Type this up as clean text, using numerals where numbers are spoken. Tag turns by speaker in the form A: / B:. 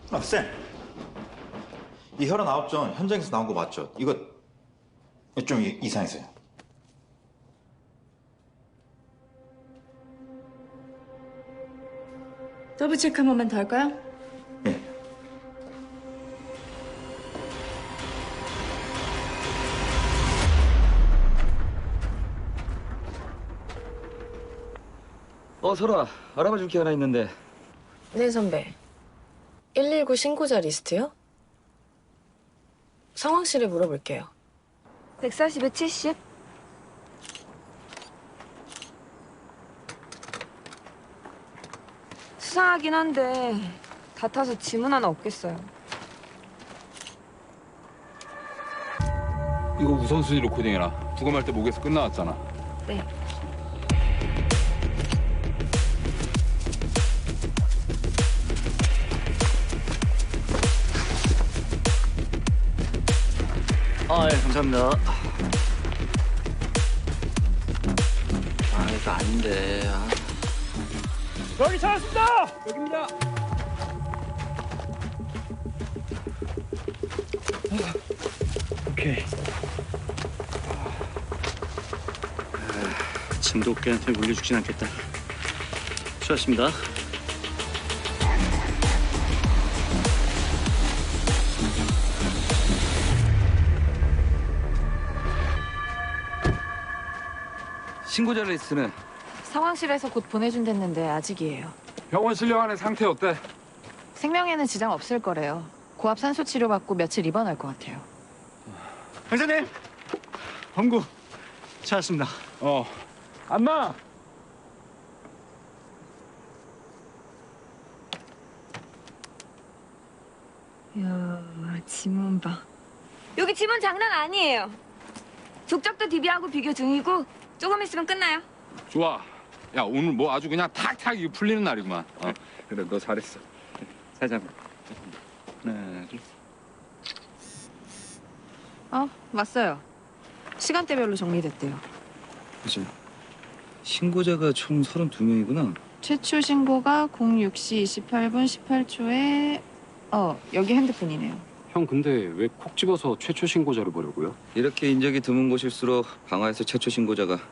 A: 아, 쌤. 이 혈흔 아홉전 현장에서 나온 거 맞죠? 이거 좀 이상했어요.
B: 더블 체크 한 번만 더 할까요?
A: 예.
C: 설아, 알아봐 줄 게 하나 있는데.
D: 네, 선배. 119 신고자 리스트요? 상황실에 물어볼게요.
E: 140에 70? 수상하긴 한데 다 타서 지문 하나 없겠어요.
F: 이거 우선순위로 코딩해라. 부검할 때 목에서 끝나왔잖아.
E: 네.
C: 예, 감사합니다. 이거 아닌데.
F: 여기 찾았습니다. 여기입니다.
C: 오케이. 진돗개한테 물려 죽진 않겠다. 수고하셨습니다. 신고자 리스트는?
D: 상황실에서 곧 보내준댔는데 아직이에요.
F: 병원 실려가는 상태 어때?
D: 생명에는 지장 없을 거래요. 고압 산소 치료 받고 며칠 입원할 것 같아요.
C: 형사님, 범구 찾았습니다.
F: 안마.
E: 이야, 지문 봐. 여기 지문 장난 아니에요. 족적도 DB하고 비교 중이고 조금 있으면 끝나요.
F: 좋아. 야, 오늘 뭐 아주 그냥 탁탁 이거 풀리는 날이구만. 그래, 너 잘했어.
C: 살짝. 하나, 둘.
D: 왔어요. 시간대별로 정리됐대요.
C: 그죠. 신고자가 총 32명이구나.
D: 최초 신고가 06시 28분 18초에 여기 핸드폰이네요.
G: 형 근데 왜 콕 집어서 최초 신고자를 보려고요?
C: 이렇게 인적이 드문 곳일수록 방화에서 최초 신고자가